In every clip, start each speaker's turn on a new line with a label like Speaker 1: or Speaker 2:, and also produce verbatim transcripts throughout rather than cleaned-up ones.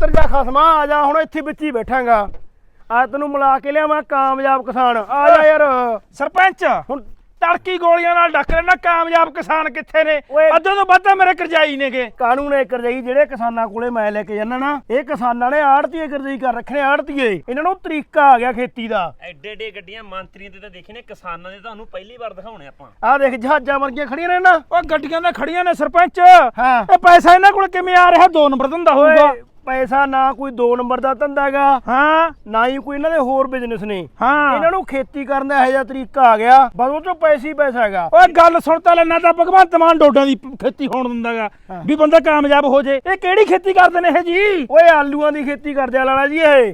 Speaker 1: ਉਤਰ ਜਾ ਖਸਮਾ ਆ ਜਾ ਹੁਣ ਇੱਥੇ ਵਿੱਚ ਹੀ ਬੈਠਾਂਗਾ ਆ ਤੈਨੂੰ ਮਿਲਾ ਕੇ ਲਿਆ ਮੈਂ ਕਾਮਯਾਬ ਕਿਸਾਨ ਆ ਜਾ ਯਾਰ
Speaker 2: ਸਰਪੰਚ
Speaker 1: ਹੁਣ
Speaker 2: ਤੜਕੀ ਗੋਲੀਆਂ ਨਾਲ ਡੱਕ ਲੈਣਾ ਕਾਮਯਾਬ ਕਿਸਾਨ ਕਿੱਥੇ ਨੇ ਅੱਧੇ ਤੋਂ ਵੱਧ ਮੇਰੇ ਕਰਜਾਈ ਨੇਗੇ
Speaker 1: ਕਾਨੂੰਨ ਇਹ ਕਰਜਾਈ ਜਿਹੜੇ ਕਿਸਾਨਾਂ ਕੋਲੇ ਮੈਂ ਲੈ ਕੇ ਜਾਣਾ ਨਾ ਇਹ ਕਿਸਾਨਾਂ ਨੇ ਆੜਤੀਏ ਕਰਜਾਈ ਕਰ ਰੱਖਣੇ ਆੜਤੀਏ ਇਹਨਾਂ ਨੂੰ ਤਰੀਕਾ ਆ ਗਿਆ ਖੇਤੀ ਦਾ
Speaker 3: ਐਡੇ ਐਡੇ ਗੱਡੀਆਂ ਮੰਤਰੀਆਂ ਤੇ ਤਾਂ ਦੇਖੇ ਨੇ ਕਿਸਾਨਾਂ ਦੇ ਤੁਹਾਨੂੰ ਪਹਿਲੀ ਵਾਰ ਦਿਖਾਉਣੇ ਆਪਾਂ
Speaker 1: ਆ ਦੇਖ ਜਹਾਜ਼ਾਂ ਵਰਗੀਆਂ ਖੜੀਆਂ ਨੇ ਨਾ
Speaker 2: ਉਹ ਗੱਡੀਆਂ ਤਾਂ ਖੜੀਆਂ ਨੇ ਸਰਪੰਚ
Speaker 1: ਹਾਂ
Speaker 2: ਇਹ ਪੈਸਾ ਇਹਨਾਂ ਕੋਲ ਕਿਵੇਂ ਆ ਰਿਹਾ ਦੋ ਨੰਬਰ ਧੰਦਾ ਹੋਊਗਾ
Speaker 1: ਪੈਸਾ ਨਾ ਕੋਈ ਦੋ ਨੰਬਰ ਦਾ ਧੰਦਾ ਹੈਗਾ
Speaker 2: ਹਾਂ
Speaker 1: ਨਾ ਹੀ ਕੋਈ ਇਹਨਾਂ ਦੇ ਹੋਰ ਬਿਜ਼ਨਸ ਨੇ
Speaker 2: ਹਾਂ
Speaker 1: ਇਹਨਾਂ ਨੂੰ ਖੇਤੀ ਕਰਨ ਦਾ ਇਹੋ ਜਿਹਾ ਤਰੀਕਾ ਆ ਗਿਆ ਬਸ ਉਹ ਚੋਂ ਪੈਸੇ ਹੀ ਪੈਸਾ ਹੈਗਾ
Speaker 2: ਓਏ ਗੱਲ ਸੁਣ ਤਾਂ ਲੈਣਾ ਤਾਂ ਭਗਵੰਤ ਮਾਨ ਡੋਡਾਂ ਦੀ ਖੇਤੀ ਹੋਣ ਦਿੰਦਾਗਾ ਵੀ ਬੰਦਾ ਕਾਮਯਾਬ ਹੋ ਜੇ ਇਹ ਕਿਹੜੀ ਖੇਤੀ ਕਰਦੇ ਨੇ ਇਹ ਜੀ
Speaker 1: ਓਏ ਆਲੂਆਂ ਦੀ ਖੇਤੀ ਕਰਦੇ ਆ ਲਾਲਾ ਜੀ ਇਹ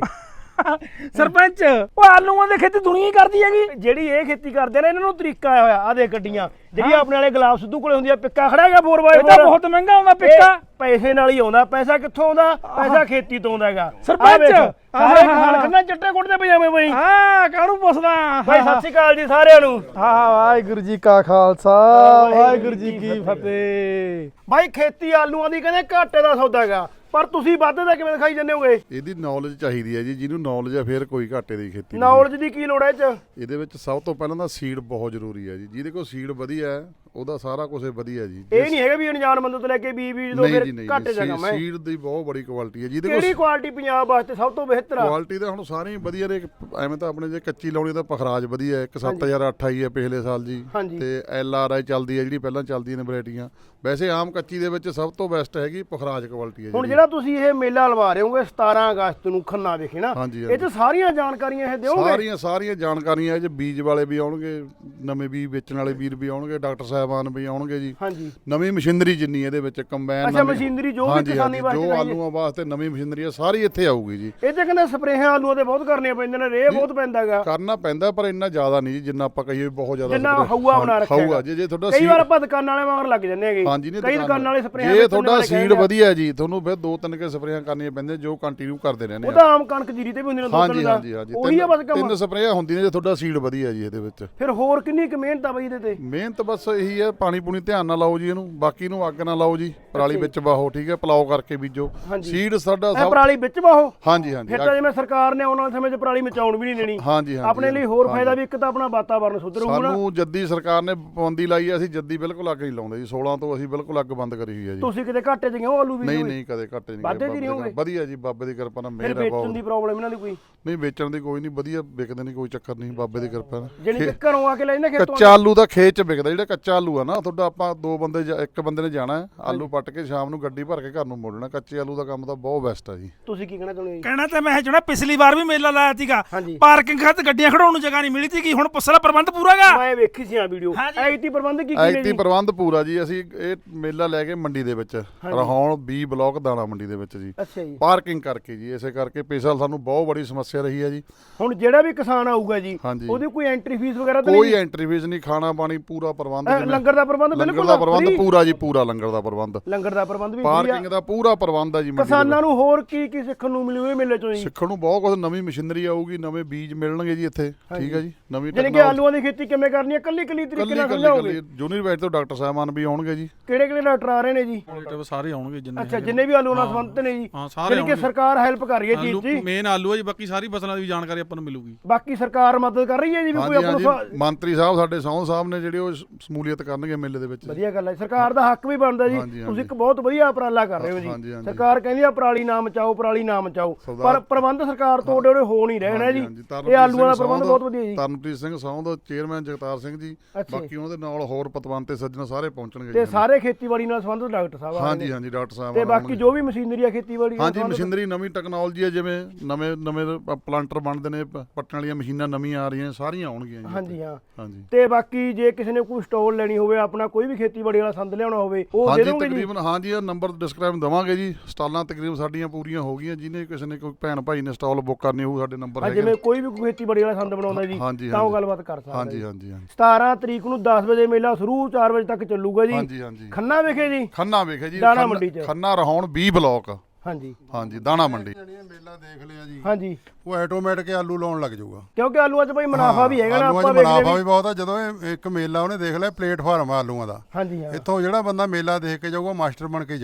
Speaker 2: ਸਰਪੰਚ ਉਹ ਆਲੂਆਂ ਦੀ ਖੇਤੀ ਦੁਨੀਆ ਹੀ ਕਰਦੀ ਹੈਗੀ
Speaker 1: ਜਿਹੜੀ ਇਹ ਖੇਤੀ ਕਰਦੇ ਨੇ ਇਹਨਾਂ ਨੂੰ ਤਰੀਕਾ ਆਇਆ ਹੋਇਆ ਆ ਦੇ ਗੱਡੀਆਂ ਜਿਹੜੀ ਆਪਣੇ ਵਾਲੇ ਗੁਲਾਬ ਸਿੱਧੂ ਕੋਲੇ ਹੁੰਦੀ ਆ ਪਿੱਕਾ ਖੜਾ ਹੈਗਾ ਫੋਰ ਬਾਈ
Speaker 2: ਇਹ ਤਾਂ ਬਹੁਤ ਮਹਿੰਗਾ ਆਉਂਦਾ ਪਿੱਕਾ
Speaker 1: ਪੈਸੇ ਨਾਲ ਹੀ ਆਉਂਦਾ ਪੈਸਾ ਕਿੱਥੋਂ ਆਉਂਦਾ ਪੈਸਾ ਖੇਤੀ ਤੋਂ ਆਉਂਦਾ ਹੈਗਾ
Speaker 2: ਸਰਪੰਚ
Speaker 1: ਸਾਰੇ ਕਿਸਾਨ ਖੰਨਾ ਚਿੱਟੇ ਕੁੜਤੇ ਪਜਾਮੇ ਬਈ
Speaker 2: ਹਾਂ ਕਾਹਨੂੰ ਪੁੱਛਦਾ
Speaker 1: ਬਾਈ ਸਤਿ ਸ਼੍ਰੀ ਅਕਾਲ ਜੀ ਸਾਰਿਆਂ ਨੂੰ
Speaker 2: ਹਾਂ ਵਾਹਿਗੁਰੂ ਜੀ ਕਾ ਖਾਲਸਾ ਵਾਹਿਗੁਰੂ ਜੀ ਕੀ ਫਤਿਹ
Speaker 1: ਬਾਈ ਖੇਤੀ ਆਲੂਆਂ ਦੀ ਕਹਿੰਦੇ ਘਾਟੇ ਦਾ ਸੌਦਾ ਹੈਗਾ ਪਰ ਤੁਸੀਂ ਵਾਧੇ ਦਾ ਕਿਵੇਂ ਦਿਖਾਈ ਜਾਂਦੇ ਹੋਗੇ
Speaker 4: ਇਹਦੀ ਨੌਲੇਜ ਚਾਹੀਦੀ ਹੈ ਜੀ ਜਿਹਨੂੰ ਨੌਲੇਜ ਹੈ ਫਿਰ ਕੋਈ ਘਾਟੇ ਦੀ ਖੇਤੀ
Speaker 1: ਨੌਲੇਜ ਦੀ ਕੀ ਲੋੜ ਹੈ ਇਹ ਚ
Speaker 4: ਇਹਦੇ ਵਿੱਚ ਸਭ ਤੋਂ ਪਹਿਲਾਂ ਤਾਂ ਸੀਡ ਬਹੁਤ ਜ਼ਰੂਰੀ ਹੈ ਜੀ ਜਿਹਦੇ ਕੋਲ ਸੀਡ ਵਧੀਆ ਹੈ ਉਹਦਾ ਸਾਰਾ ਕੁਝ ਵਧੀਆ ਜੀ
Speaker 1: ਇਹ ਨਹੀਂ ਹੈਗਾ ਵੀ ਅਣਜਾਣ ਬੰਦੇ ਤੋਂ ਲੈ ਕੇ ਬੀਜ ਬੀਜ ਦੋ ਫਿਰ ਘਾਟੇ ਦਾ ਕੰਮ ਹੈ
Speaker 4: ਸੀਡ ਦੀ ਬਹੁਤ ਬੜੀ ਕੁਆਲਿਟੀ ਹੈ ਜਿਹਦੇ
Speaker 1: ਕੋਲ ਕਿਹੜੀ ਕੁਆਲਿਟੀ ਪੰਜਾਬ ਵਾਸਤੇ ਸਭ ਤੋਂ ਬਿਹਤਰ ਆ
Speaker 4: ਕੁਆਲਿਟੀ ਤਾਂ ਹੁਣ ਸਾਰੀਆਂ ਵਧੀਆ ਨੇ ਐਵੇਂ ਤਾਂ ਆਪਣੇ ਜੇ ਕੱਚੀ ਲਾਉਣੀ ਤਾਂ ਪਖਰਾਜ ਵਧੀਆ ਹੈ ਇੱਕ ਸੱਤ ਹਜ਼ਾਰ ਅੱਠ ਆਈ ਹੈ ਪਿਛਲੇ ਸਾਲ ਜੀ ਤੇ ਐਲ ਆਰ ਆਈ ਚੱਲਦੀ ਹੈ ਜਿਹੜੀ ਪਹਿਲਾਂ ਚੱਲਦੀਆਂ ਨੇ ਵੈਰਾਈਟੀਆਂ ਵੈਸੇ ਆਮ ਕੱਚੀ ਦੇ ਵਿੱਚ ਸਭ ਤੋਂ ਬੈਸਟ ਹੈਗੀ ਪਖਰਾਜ ਕੁਆਲਿਟੀ ਹੈ
Speaker 1: ਹੁਣ ਜਿਹੜਾ ਤੁਸੀਂ ਇਹ ਮੇਲਾ ਲਵਾ ਰਹੇ ਹੋਗੇ ਸਤਾਰਾਂ ਅਗਸਤ ਨੂੰ ਖੰਨਾ ਵਿਖੇ ਨਾ ਇਹ ਚ ਸਾਰੀਆਂ ਜਾਣਕਾਰੀਆਂ ਇਹ ਦਿਓਗੇ
Speaker 4: ਸਾਰੀਆਂ ਸਾਰੀਆਂ ਜਾਣਕਾਰੀਆਂ ਇਹ ਚ ਬੀਜ ਵਾਲੇ ਵੀ ਆਉਣਗੇ ਨਵੇਂ ਬੀਜ ਵੇਚਣ ਵਾਲੇ ਵੀਰ ਵੀ ਆਉਣਗੇ ਡਾਕਟਰ ਸਾਹਿਬਾਨ ਵੀ ਆਉਣਗੇ ਜੀ
Speaker 1: ਹਾਂਜੀ
Speaker 4: ਨਵੀਂ ਮਸ਼ੀਨਰੀ ਜਿੰਨੀ ਇਹਦੇ ਵਿੱਚ ਕੰਬਾਈਨ
Speaker 1: ਅੱਛਾ ਮਸ਼ੀਨਰੀ ਜੋ ਵੀ ਕਿਸਾਨੀ ਵਾਸਤੇ
Speaker 4: ਜੋ ਆਲੂਆਂ ਵਾਸਤੇ ਨਵੀਂ ਮਸ਼ੀਨਰੀ ਆ ਸਾਰੀ ਇੱਥੇ ਆਊਗੀ ਜੀ
Speaker 1: ਇਹ ਤੇ ਕਹਿੰਦੇ ਸਪਰੇਹਾਂ ਆਲੂਆਂ ਤੇ ਬਹੁਤ ਕਰਨੀਆਂ ਪੈਂਦੀਆਂ ਨੇ ਰੇਹ ਬਹੁਤ ਪੈਂਦਾਗਾ
Speaker 4: ਕਰਨਾ ਪੈਂਦਾ ਪਰ ਇੰਨਾ ਜ਼ਿਆਦਾ ਨਹੀਂ ਜੀ ਜਿੰਨਾ ਆਪਾਂ ਕਹੀਏ ਬਹੁਤ ਜ਼ਿਆਦਾ
Speaker 1: ਜਿੰਨਾ ਹਊਆ ਬਣਾ ਰੱਖਿਆ
Speaker 4: ਹਊਆ ਜੇ ਜੇ ਤੁਹਾਡਾ
Speaker 1: ਕਈ ਵਾਰ ਆਪਾਂ ਦੁਕਾਨਾਂ ਵਾਲੇ ਮਗਰ ਲੱਗ ਜੰਨੇ ਹੈਗੇ
Speaker 4: ਹਾਂਜੀ ਨਹੀਂ
Speaker 1: ਕਈ ਦੁਕਾਨਾਂ ਵਾਲੇ ਸਪਰੇਹਾਂ
Speaker 4: ਜੇ ਤੁਹਾਡਾ ਸੀਡ ਵਧੀਆ ਜੀ ਤੁਹਾਨੂੰ ਫਿਰ ਦੋ ਤਿੰਨ ਕੇ ਸਪਰੇਹਾਂ ਕਰਨੀਆਂ ਪੈਂਦੀਆਂ ਜੋ ਕੰਟੀਨਿਊ ਕਰਦੇ ਰਹਿੰਦੇ
Speaker 1: ਉਹ ਤਾਂ ਆਮ ਕਣਕ ਜੀਰੀ ਤੇ ਵੀ ਹੁੰਦੀਆਂ ਨੇ ਦੋ ਤਿੰਨ ਦਾ
Speaker 4: ਹਾਂਜੀ ਹਾਂਜੀ
Speaker 1: ਉਹੀ ਆ ਬਸ ਕੰਮ
Speaker 4: ਤਿੰਨ ਸਪਰੇਹਾਂ ਹੁੰਦੀਆਂ ਜੇ ਤੁਹਾਡਾ ਸੀਡ ਵਧੀਆ ਜੀ ਇਹਦੇ ਵਿੱਚ
Speaker 1: ਫਿਰ ਹੋਰ ਕਿੰਨੀ ਕੁ ਮਿਹਨਤ ਆ ਬਈ ਇਹਦੇ ਤੇ
Speaker 4: ਮਿਹਨਤ ਬਸ ਇਹੀ ਹੈ ਪਾਣੀ ਪੂਣੀ ਧਿਆਨ ਨਾਲ ਲਾਓ ਜੀ ਇਹਨੂੰ ਬਾਕੀ ਨੂੰ ਅੱਗ ਨਾ ਲਾਓ ਜੀ ਪਰਾਲੀ ਵਿੱਚ ਵਾਹੋ ਠੀਕ ਹੈ ਪਲਾਓ ਕਰਕੇ ਬੀਜੋ ਸੀਡ ਸਾਡਾ
Speaker 1: ਸਭ ਪਰਾਲੀ ਵਿੱਚ ਵਾਹੋ
Speaker 4: ਹਾਂਜੀ ਹਾਂਜੀ
Speaker 1: ਫਿਰ ਤਾਂ ਜਿਵੇਂ ਸਰਕਾਰ ਨੇ ਆਉਣ ਵਾਲੇ ਸਮੇਂ 'ਚ ਪਰਾਲੀ ਮਚਾਉਣ ਵੀ ਨਹੀਂ ਦੇਣੀ
Speaker 4: ਹਾਂਜੀ ਹਾਂਜੀ
Speaker 1: ਆਪਣੇ ਲਈ ਹੋਰ ਫਾਇਦਾ ਵੀ ਇੱਕ ਤਾਂ ਆਪਣਾ ਵਾਤਾਵਰਨ ਸੁਧਰੂਗਾ ਨਾ
Speaker 4: ਸਾਨੂੰ ਜੱਦੀ ਸਰਕਾਰ ਨੇ ਪਾਬੰਦੀ ਲਾਈ ਹੈ ਅਸੀਂ ਜੱਦੀ ਬਿਲਕੁਲ ਅੱਗ ਨਹੀਂ ਲਾਉਂਦੇ ਜੀ ਸੋਲਾਂ ਤੋਂ ਅਸੀਂ ਬਿਲਕੁਲ ਅੱਗ ਬੰਦ ਕਰੀ ਹੋਈ ਹੈ ਜੀ
Speaker 1: ਤੁਸੀਂ ਕਿਤੇ ਘਾਟੇ 'ਚ ਗਏ ਹੋ ਆਲੂ ਵੀ
Speaker 4: ਨਹੀਂ ਨਹੀਂ ਕਦੇ ਘਾਟੇ ਨਹੀਂ ਵਧੀਆ ਜੀ ਬਾਬੇ ਦੀ ਕਿਰਪਾ ਨਾਲ ਮਿਹਰ ਹੈ
Speaker 1: ਬਹੁਤ ਵੇਚਣ ਦੀ ਪ੍ਰੋਬਲਮ ਇਹਨਾਂ ਦੀ ਕੋਈ
Speaker 4: ਨਹੀਂ ਵੇਚਣ ਦੀ ਕੋਈ ਨਹੀਂ ਵਧੀਆ ਵਿਕਦੇ ਨਹੀਂ ਕੋਈ ਚੱਕਰ ਨਹੀਂ ਬਾਬੇ ਦੀ ਕਿਰਪਾ ਨਾਲ
Speaker 1: ਜਿਹੜੀ ਘਰੋਂ ਆ ਕੇ ਲੈਂਦੇ ਖੇਤੋਂ
Speaker 4: ਕੱਚਾ ਆਲੂ ਦਾ ਖੇਤ 'ਚ ਵਿਕਦਾ ਜਿਹੜਾ ਕੱਚਾ ਆਲੂ ਆ ਨਾ ਤੁਹਾਡਾ ਆਪਾਂ ਦੋ ਬੰਦੇ ਇੱਕ ਬੰਦੇ ਨੇ ਜਾਣਾ ਆਲੂ ਪੱਟ ਕੇ ਸ਼ਾਮ ਨੂੰ ਗੱਡੀ ਭਰ ਕੇ ਘਰ ਨੂੰ ਮੋੜਨਾ ਕੱਚੇ ਆਲੂ ਦਾ ਕੰਮ ਤਾਂ ਬਹੁਤ ਬੈਸਟ ਆ ਜੀ
Speaker 1: ਤੁਸੀਂ ਕੀ ਕਹਿਣਾ ਚਾਹੁੰਦੇ ਹੋ
Speaker 2: ਕਹਿਣਾ ਤਾਂ ਮੈਂ ਜਿਹੜਾ ਪਿਛਲੀ ਵਾਰ ਵੀ ਮੇਲਾ ਲਾਇਆ ਸੀਗਾ ਪਾਰਕਿੰਗ ਖਾਤਰ ਗੱਡੀਆਂ ਖੜਾਉਣ ਨੂੰ ਜਗ੍ਹਾ ਨਹੀਂ ਮਿਲੀ ਸੀਗੀ ਹੁਣ ਪੁੱਛਲਾ ਪ੍ਰਬੰਧ ਪੂਰਾਗਾ
Speaker 1: ਮੈਂ ਵੇਖੀ ਸੀ ਆ ਵੀਡੀਓ ਆਈਟੀ ਪ੍ਰਬੰਧ ਕੀ ਕੀ ਨੇ ਜੀ
Speaker 4: ਆਈਟੀ ਪ੍ਰਬੰਧ ਪੂਰਾ ਜੀ ਅਸੀਂ ਇਹ ਮੇਲਾ ਲੈ ਕੇ ਮੰਡੀ ਦੇ ਵਿੱਚ ਰਹਾਉਣ ਬੀ ਬਲਾਕ ਦਾਣਾ ਮੰਡੀ ਦੇ ਵਿੱਚ ਜੀ
Speaker 1: ਅੱਛਾ ਜੀ
Speaker 4: ਪਾਰਕਿੰਗ ਕਰਕੇ ਜੀ ਇਸੇ ਕਰਕੇ ਪਿਛਲੇ ਸਾਨੂੰ ਬਹੁਤ ਬੜੀ ਸਮੱਸਿਆ ਰਹੀ ਹੈ ਜੀ
Speaker 1: ਹੁਣ ਜਿਹੜਾ ਵੀ ਕਿਸਾਨ ਆਊਗਾ ਜੀ ਉਹਦੀ ਕੋਈ ਐਂਟਰੀ ਫੀਸ ਵਗੈਰਾ ਤਾਂ
Speaker 4: ਕੋਈ ਐਂਟਰੀ ਫੀਸ ਨਹੀਂ ਖਾਣਾ ਪਾਣੀ ਪੂਰਾ ਪ੍ਰਬੰਧ
Speaker 1: ਲੰਗਰ ਦਾ ਪ੍ਰਬੰਧ ਬਿਲਕੁਲ
Speaker 4: ਲੰਗਰ ਦਾ ਪ੍ਰਬੰਧ ਪੂਰਾ ਜੀ ਪੂਰਾ ਲੰਗਰ ਦਾ ਪ੍ਰਬੰਧ
Speaker 1: ਲੰਗਰ ਦਾ ਪ੍ਰਬੰਧ ਵੀ
Speaker 4: ਪਾਰਕਿੰਗ ਦਾ ਪੂਰਾ ਪ੍ਰਬੰਧ ਹੈ ਜੀ
Speaker 1: ਕਿਸਾਨਾਂ ਨੂੰ ਹੋਰ ਕੀ ਕੀ ਸਿੱਖਣ ਨੂੰ ਮਿਲੂ ਇਹ ਮੇਲੇ ਚੋਂ ਜੀ
Speaker 4: ਸਿੱਖਣ ਨੂੰ ਬਹੁਤ ਕੁਝ ਨਵੀਂ ਮਸ਼ੀਨਰੀ ਆਊਗੀ ਨਵੇਂ ਬੀਜ ਮਿਲਣਗੇ ਜੀ ਇੱਥੇ ਠੀਕ ਹੈ ਜੀ ਨਵੀਂ
Speaker 1: ਜਿਵੇਂ ਕਿ ਆਲੂਆਂ ਦੀ ਖੇਤੀ ਕਿਵੇਂ ਕਰਨੀ ਹੈ ਕੱਲੀ ਕੱਲੀ ਤਰੀਕੇ ਨਾਲ ਸਮਝਾਓਗੇ
Speaker 4: ਯੂਨੀਵਰਸਿਟੀ ਤੋਂ ਡਾਕਟਰ ਸਾਹਿਬਾਨ ਵੀ ਆਉਣਗੇ ਜੀ
Speaker 1: ਕਿਹੜੇ ਕਿਹੜੇ ਡਾਕਟਰ ਆ ਰਹੇ ਨੇ ਜੀ
Speaker 5: ਸਾਰੇ ਆਉਣਗੇ ਜਿੰਨੇ
Speaker 1: ਅੱਛਾ ਜਿੰਨੇ ਵੀ ਆਲੂ ਨਾਲ ਸੰਬੰਧਿਤ ਨੇ ਜੀ
Speaker 5: ਹਾਂ ਸਾਰੇ
Speaker 1: ਕਿ ਸਰਕਾਰ ਹੈਲਪ ਕਰ ਰਹੀ ਹੈ ਜੀ ਜੀ
Speaker 5: ਮੇਨ ਆਲੂ ਹੈ ਜੀ ਬਾਕੀ ਸਾਰੀ ਫਸਲਾਂ ਦੀ ਜਾਣਕਾਰੀ ਆਪਾਂ ਨੂੰ ਮਿਲੂਗੀ
Speaker 1: ਬਾਕੀ ਸਰਕਾਰ ਮਦਦ ਕਰ ਰਹੀ ਹੈ ਜੀ ਵੀ ਕੋਈ ਆਪਾਂ ਨੂੰ
Speaker 4: ਮੰਤਰੀ ਸਾਹਿਬ ਸਾਡੇ ਸੌਂ ਸਾਹਿਬ ਨੇ ਜਿਹੜੇ ਉਹ ਸ਼ਮੂਲੀਅਤ ਕਰਨਗੇ ਮੇਲੇ ਦੇ ਵਿੱਚ
Speaker 1: ਵਧੀਆ ਗੱਲ ਹੈ ਸਰਕਾਰ ਦਾ ਹੱਕ ਵੀ ਬਣਦਾ ਜੀ ਤੁਸੀਂ ਇੱਕ ਬਹੁਤ ਵਧੀਆ ਉਪਰਾਲਾ ਕਰ ਰਹੇ ਹੋ ਜੀ ਸਰਕਾਰ ਕਹਿੰਦੀ ਆ ਪਰਾਲੀ ਨਾ ਮਚਾਓ ਪਰਾਲੀ ਨਾ ਮਚਾਓ ਪਰ ਪ੍ਰਬੰਧ ਸਰਕਾਰ ਤੋਂ ਓਡੇ ਓਡੇ ਹੋ ਨਹੀਂ ਰਹੇ ਨਾ ਜੀ ਇਹ ਆਲੂਆਂ ਦਾ ਪ੍ਰਬੰਧ ਬਹੁਤ ਵਧੀਆ ਜੀ
Speaker 4: ਤਰਨਪ੍ਰੀਤ ਸਿੰਘ ਸੌਂ ਦਾ ਚੇਅਰਮੈਨ ਜਗਤਾਰ ਸਿੰਘ ਜੀ ਬਾਕੀ ਉਹਨਾਂ ਦੇ ਨਾਲ ਹੋਰ ਪਤਵੰਤ ਤੇ ਸੱਜਣ ਸਾਰੇ ਪਹੁੰਚਣਗੇ
Speaker 1: ਤੇ ਸਾਰੇ ਖੇਤੀਬਾੜੀ ਨਾਲ ਸੰਬੰਧਿਤ ਡਾਕਟਰ ਸਾਹਿਬ
Speaker 4: ਹਾਂਜੀ ਹਾਂਜੀ ਡਾਕਟਰ ਸਾਹਿਬ
Speaker 1: ਤੇ ਬਾਕੀ ਜੋ ਵੀ ਮਸ਼ੀਨਰੀ ਆ ਖੇਤੀਬਾੜੀ
Speaker 4: ਹਾਂਜੀ ਮਸ਼ੀਨਰੀ ਨਵੀਂ ਟੈਕਨੋਲੋਜੀ ਹੈ ਜਿਵੇਂ ਨਵੇਂ ਨਵੇਂ ਪਲਾਂਟਰ ਬਣਦੇ ਨੇ ਪੱਟਣ ਵਾਲੀਆਂ ਮਸ਼ੀਨਾਂ ਨਵੀਆਂ ਆ ਰਹੀਆਂ ਸਾਰੀਆਂ ਆਉਣਗੀਆਂ ਜੀ
Speaker 1: ਹਾਂਜੀ ਹਾਂ
Speaker 4: ਹਾਂਜੀ
Speaker 1: ਤੇ ਬਾਕੀ ਜੇ ਕਿਸੇ ਨੇ ਕੋਈ ਸਟਾਲ ਲੈਣੀ ਹੋਵੇ ਆਪਣਾ ਕੋਈ ਵੀ ਖੇਤੀਬਾੜੀ ਵਾਲਾ ਸੰਦ ਲਿਆਉਣਾ ਹੋਵੇ ਉਹ ਦੇ ਦੋਗੇ ਜੀ
Speaker 4: ਤਕਰੀਬਨ ਹਾਂਜੀ ਇਹ ਨੰਬਰ ਡਿਸਕ੍ਰਾਈਬ ਦਵਾਂਗੇ ਜੀ ਸਟਾਲਾਂ ਤਕਰੀਬਨ ਸਾਡੀਆਂ ਪੂਰੀਆਂ ਹੋ ਗਈਆਂ ਜਿਹਨੇ ਕਿਸੇ ਨੇ ਕੋਈ ਭੈਣ ਭਾਈ ਨੇ ਸਟਾਲ ਬੁੱਕ ਕਰਨੀ ਹੋਊ ਸਾਡੇ ਨੰਬਰ ਹੈਗੇ
Speaker 1: ਜਿਵੇਂ ਕੋਈ ਵੀ ਖੇਤੀਬਾੜੀ ਵਾਲਾ ਸੰਦ ਬਣਾਉਂਦਾ ਜੀ ਤਾਂ ਉਹ ਗੱਲਬਾਤ ਕਰ ਸਕਦਾ
Speaker 4: ਹਾਂਜੀ ਹਾਂਜੀ ਹਾਂਜੀ
Speaker 1: ਸਤਾਰਾਂ ਤਰੀਕ ਨੂੰ ਦਸ ਵਜੇ ਮੇਲਾ ਸ਼ੁਰੂ ਚਾਰ ਵਜੇ ਤੱਕ ਚੱਲੂਗਾ ਜੀ
Speaker 4: ਹਾਂਜੀ ਹਾਂਜੀ
Speaker 1: ਖੰਨਾ ਵਿਖੇ ਜੀ
Speaker 4: ਖੰਨਾ ਵਿਖੇ ਜੀ
Speaker 1: ਦਾਣਾ ਮੰਡੀ ਚ
Speaker 4: ਖੰਨਾ ਰਹਾਉਣ ਵੀਹ ਬਲਾਕ
Speaker 1: ਹਾਂਜੀ
Speaker 4: ਹਾਂਜੀ ਦਾਣਾ ਮੰਡੀ
Speaker 6: ਮੇਲਾ ਦੇਖ ਲਿਆ ਜੀ
Speaker 1: ਹਾਂਜੀ
Speaker 6: ਉਹ ਆਟੋਮੈਟਿਕ ਆਲੂ ਲਾਉਣ ਲੱਗ ਜਾਊਗਾ
Speaker 1: ਕਿਉਂਕਿ ਆਲੂਆਂ 'ਚ ਬਈ ਮੁਨਾਫਾ ਵੀ ਹੈਗਾ ਨਾ ਆਪਾਂ
Speaker 6: ਮੁਨਾਫਾ ਵੀ ਬਹੁਤ ਆ ਜਦੋਂ ਇਹ ਇੱਕ ਮੇਲਾ ਉਹਨੇ ਦੇਖ ਲਿਆ ਪਲੇਟਫਾਰਮ ਆਲੂਆਂ ਦਾ
Speaker 1: ਹਾਂਜੀ ਹਾਂ
Speaker 6: ਇੱਥੋਂ ਜਿਹੜਾ ਬੰਦਾ ਮੇਲਾ ਦੇਖ ਕੇ ਜਾਊਗਾ ਮਾਸਟਰ ਬਣ ਕੇ ਜਾਊਗਾ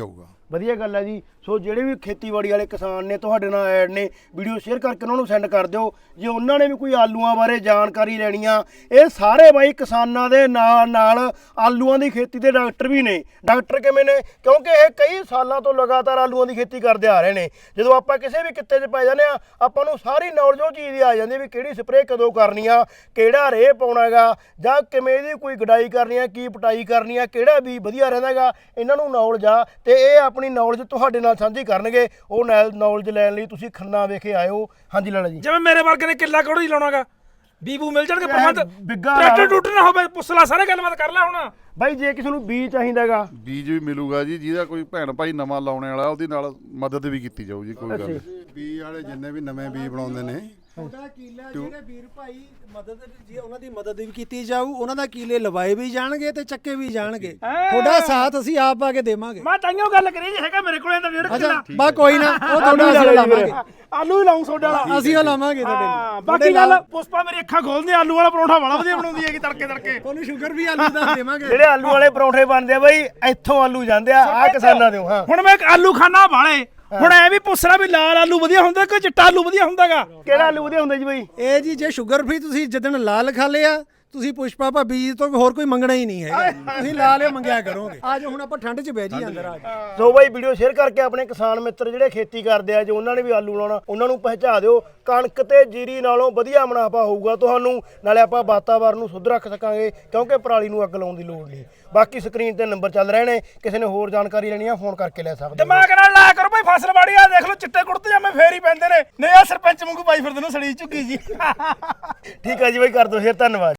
Speaker 1: ਵਧੀਆ ਗੱਲ ਹੈ ਜੀ। ਸੋ ਜਿਹੜੇ ਵੀ ਖੇਤੀਬਾੜੀ ਵਾਲੇ ਕਿਸਾਨ ਨੇ ਤੁਹਾਡੇ ਨਾਲ ਐਡ ਨੇ, ਵੀਡੀਓ ਸ਼ੇਅਰ ਕਰਕੇ ਉਹਨਾਂ ਨੂੰ ਸੈਂਡ ਕਰ ਦਿਓ। ਜੇ ਉਹਨਾਂ ਨੇ ਵੀ ਕੋਈ ਆਲੂਆਂ ਬਾਰੇ ਜਾਣਕਾਰੀ ਲੈਣੀ ਆ, ਇਹ ਸਾਰੇ ਬਾਈ ਕਿਸਾਨਾਂ ਦੇ ਨਾਲ ਨਾਲ ਆਲੂਆਂ ਦੀ ਖੇਤੀ ਦੇ ਡਾਕਟਰ ਵੀ ਨੇ। ਡਾਕਟਰ ਕਿਵੇਂ ਨੇ? ਕਿਉਂਕਿ ਇਹ ਕਈ ਸਾਲਾਂ ਤੋਂ ਲਗਾਤਾਰ ਆਲੂਆਂ ਦੀ ਖੇਤੀ ਕਰਦੇ ਆ ਰਹੇ ਨੇ। ਜਦੋਂ ਆਪਾਂ ਕਿਸੇ ਵੀ ਕਿੱਤੇ 'ਚ ਪੈ ਜਾਂਦੇ ਆ, ਆਪਾਂ ਨੂੰ ਸਾਰੀ ਨੌਲੇਜ ਉਹ ਚੀਜ਼ ਦੀ ਆ ਜਾਂਦੀ ਵੀ ਕਿਹੜੀ ਸਪਰੇਅ ਕਦੋਂ ਕਰਨੀ ਆ, ਕਿਹੜਾ ਰੇਹ ਪਾਉਣਾ ਹੈਗਾ, ਜਾਂ ਕਿਵੇਂ ਇਹਦੀ ਕੋਈ ਗਡਾਈ ਕਰਨੀ ਆ, ਕੀ ਪਟਾਈ ਕਰਨੀ ਆ, ਕਿਹੜਾ ਵੀ ਵਧੀਆ ਰਹਿੰਦਾ ਹੈਗਾ, ਇਹਨਾਂ ਨੂੰ ਨੌਲੇਜ ਆ ਤੇ ਇਹ ਆਪਣੀ ਨੌਲੇਜ ਤੁਹਾਡੇ ਨਾਲ ਸਾਂਝੀ ਕਰਨਗੇ। ਉਹ ਨੌਲੇਜ ਲੈਣ ਲਈ ਤੁਸੀਂ ਖੰਨਾ ਵਿਖੇ ਆਇਓ। ਹਾਂਜੀ ਲਾਲਾ ਜੀ।
Speaker 2: ਜਿਵੇਂ ਮੇਰੇ ਵਰਗੇ ਨੇ ਕਿੱਲਾ ਕੋੜੀ ਲਾਉਣਾਗਾ, ਬੀਬੂ ਮਿਲ ਜਾਣਗੇ ਪ੍ਰਬੰਧ,
Speaker 1: ਬਿੱਗਾ
Speaker 2: ਟਰੈਕਟਰ ਟੂਟਰ ਨਾ ਹੋਵੇ, ਪੁੱਛ ਲਾ ਸਾਰੇ ਗੱਲਬਾਤ ਕਰ ਲੈ ਹੁਣ।
Speaker 1: ਬਾਈ ਜੇ ਕਿਸੇ ਨੂੰ ਬੀਜ ਚਾਹੀਦਾ ਹੈਗਾ,
Speaker 4: ਬੀਜ ਵੀ ਮਿਲੂਗਾ ਜੀ। ਜਿਹਦਾ ਕੋਈ ਭੈਣ ਭਾਈ ਨਵਾਂ ਲਾਉਣੇ ਵਾਲਾ ਉਹਦੀ ਨਾਲ ਮਦਦ ਵੀ ਕੀਤੀ ਜਾਊ ਜੀ, ਕੋਈ ਗੱਲ ਨਹੀਂ।
Speaker 6: ਬੀ ਵਾਲੇ ਜਿੰਨੇ ਵੀ ਨਵੇਂ ਬੀ ਬਣਾਉਂਦੇ ਨੇ
Speaker 7: ਉਹਦਾ ਕੀਲਾ ਜਿਹੜੇ ਵੀਰ ਭਾਈ ਮਦਦ ਜੀ ਉਹਨਾਂ ਦੀ ਮਦਦ ਵੀ ਕੀਤੀ ਜਾਊ, ਉਹਨਾਂ ਦਾ ਕੀਲੇ ਲਵਾਏ ਵੀ ਜਾਣਗੇ ਤੇ ਚੱਕੇ ਵੀ ਜਾਣਗੇ। ਤੁਹਾਡਾ ਸਾਥ ਅਸੀਂ ਆਪ ਆ ਕੇ ਦੇਵਾਂਗੇ।
Speaker 2: ਮੈਂ ਤਾਈਓ ਗੱਲ ਕਰੀ ਜੀ, ਹੈਗਾ ਮੇਰੇ ਕੋਲੇ ਤਾਂ ਡੇਢ ਕਿੱਲਾ।
Speaker 7: ਬਾ ਕੋਈ ਨਾ, ਉਹ ਤੁਹਾਡਾ ਅਸੀਂ ਲਾਵਾਂਗੇ,
Speaker 2: ਆਲੂ ਹੀ ਲਾਉਂ ਸੋਡਾ ਵਾਲਾ,
Speaker 7: ਅਸੀਂ ਉਹ ਲਾਵਾਂਗੇ ਤੁਹਾਡੇ
Speaker 2: ਹਾਂ। ਬਾਕੀ ਗੱਲ ਪੁਸ਼ਪਾ ਮੇਰੀ ਅੱਖਾਂ ਖੋਲਦੀ, ਆਲੂ ਵਾਲਾ ਪਰੌਂਠਾ ਬੜਾ ਵਧੀਆ ਬਣਾਉਂਦੀ ਹੈਗੀ ਤੜਕੇ ਤੜਕੇ।
Speaker 7: ਤੁਹਾਨੂੰ ਸ਼ੂਗਰ ਵੀ ਆਲੂ ਦਾ ਦੇਵਾਂਗੇ।
Speaker 1: ਜਿਹੜੇ ਆਲੂ ਵਾਲੇ ਪਰੌਂਠੇ ਬਣਦੇ ਆ ਬਾਈ, ਇੱਥੋਂ ਆਲੂ ਜਾਂਦੇ ਆ ਆ ਕਿਸਾਨਾਂ ਦੇ। ਹਾਂ
Speaker 2: ਹੁਣ ਮੈਂ ਆਲੂ ਖਾਣਾ ਵਾਲੇ, ਹੁਣ ਐ ਵੀ ਪੁੱਛਣਾ ਵੀ ਲਾਲ ਆਲੂ ਵਧੀਆ ਹੁੰਦਾ ਕਿ ਚਿੱਟਾ ਆਲੂ ਵਧੀਆ ਹੁੰਦਾਗਾ?
Speaker 1: ਕਿਹੜਾ ਆਲੂ ਵਧੀਆ ਹੁੰਦਾ ਜੀ ਬਾਈ?
Speaker 7: ਇਹ ਜੀ ਜੇ ਸ਼ੂਗਰ ਫ੍ਰੀ ਤੁਸੀਂ ਜਿੱਦਣ ਲਾਲ ਖਾ ਲਿਆ, ਤੁਸੀਂ ਪੁਸ਼ਪਾ ਭਾਬੀ ਜੀ ਤੋਂ ਹੋਰ ਕੋਈ ਮੰਗਣਾ ਹੀ ਨਹੀਂ ਹੈਗਾ। ਤੁਸੀਂ ਲਾਲ ਹੀ ਮੰਗਿਆ ਕਰੋਗੇ। ਅੱਜ ਹੁਣ ਆਪਾਂ ਠੰਡ 'ਚ ਬਹਿ ਜੀ ਅੰਦਰ ਆ ਕੇ।
Speaker 1: ਸੋ ਬਾਈ ਵੀਡੀਓ ਸ਼ੇਅਰ ਕਰਕੇ ਆਪਣੇ ਕਿਸਾਨ ਮਿੱਤਰ ਜਿਹੜੇ ਖੇਤੀ ਕਰਦੇ ਆ, ਜੇ ਉਹਨਾਂ ਨੇ ਵੀ ਆਲੂ ਲਾਉਣਾ, ਉਹਨਾਂ ਨੂੰ ਪਹੁੰਚਾ ਦਿਓ। ਕਣਕ ਤੇ ਜੀਰੀ ਨਾਲੋਂ ਵਧੀਆ ਮੁਨਾਫਾ ਹੋਊਗਾ ਤੁਹਾਨੂੰ, ਨਾਲੇ ਆਪਾਂ ਵਾਤਾਵਰਨ ਨੂੰ ਸ਼ੁੱਧ ਰੱਖ ਸਕਾਂਗੇ, ਕਿਉਂਕਿ ਪਰਾਲੀ ਨੂੰ ਅੱਗ ਲਾਉਣ ਦੀ ਲੋੜ ਨਹੀਂ। ਬਾਕੀ ਸਕਰੀਨ ਤੇ ਨੰਬਰ ਚੱਲ ਰਹੇ ਨੇ, ਕਿਸੇ ਨੇ ਹੋਰ ਜਾਣਕਾਰੀ ਲੈਣੀ ਆ ਫੋਨ ਕਰਕੇ ਲੈ ਸਕਦੇ ਹੋ।
Speaker 2: ਦਿਮਾਗ ਨਾਲ ਲਾਇਆ ਕਰੋ ਭਾਈ, ਫਸਲਵਾੜੀ ਆ ਦੇਖ ਲਓ, ਚਿੱਟੇ ਕੁੜਤੇ ਜਾਮੇ ਫੇਰ ਹੀ ਪੈਂਦੇ ਨੇ। ਨਹੀਂ ਆ ਸਰਪੰਚ ਵਾਂਗੂ ਪਾਈ ਫਿਰਦੇ ਨੇ ਸੜੀ ਝੁੱਗੀ ਜੀ।
Speaker 1: ਠੀਕ ਆ ਜੀ ਬਾਈ, ਕਰ ਦਿਓ ਸ਼ੇਅਰ, ਧੰਨਵਾਦ।